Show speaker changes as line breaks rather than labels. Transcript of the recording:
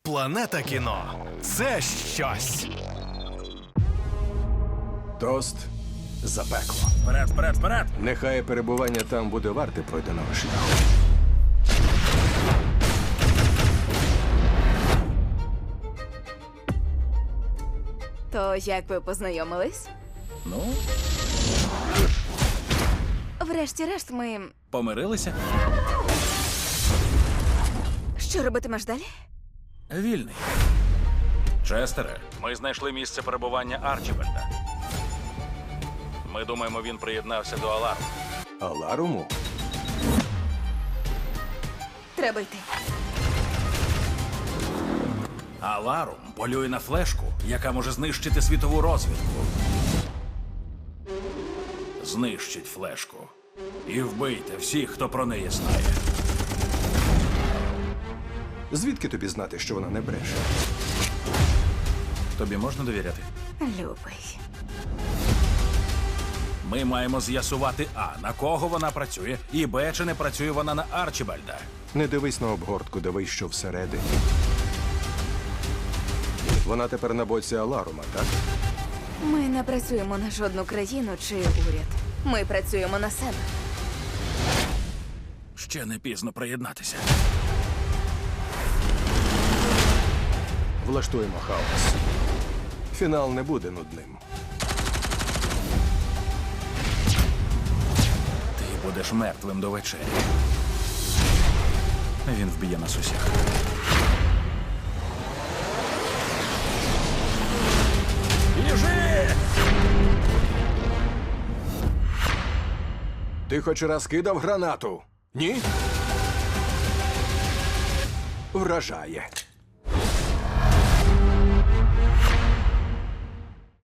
Планета кіно – це щось.
Тост за пекло.
Вперед, вперед, вперед!
Нехай перебування там буде варте пройденого шляху.
То як ви познайомились?
Ну,
Врешті-решт, ми.
помирилися.
Що робитимеш далі?
Вільний. Честере, ми знайшли місце перебування Арчібальда. Ми думаємо, він приєднався до Аларму.
Аларуму?
Треба йти.
Аларум полює на флешку, яка може знищити світову розвідку. Знищить флешку. І вбийте всіх, хто про неї знає.
Звідки тобі знати, що вона не бреше?
Тобі можна довіряти?
Любий.
Ми маємо з'ясувати А, на кого вона працює, і Б, чи не працює вона на Арчібальда.
Не дивись на обгортку, дивись, що всередині. Вона тепер на боці Аларума, так?
Ми не працюємо на жодну країну чи уряд. Ми працюємо на себе.
Ще не пізно приєднатися.
Влаштуємо хаос. Фінал не буде нудним.
Ти будеш мертвим до вечері. Він вб'є нас усіх. Біжи!
Ти хоч раз кидав гранату? Ні? Вражає.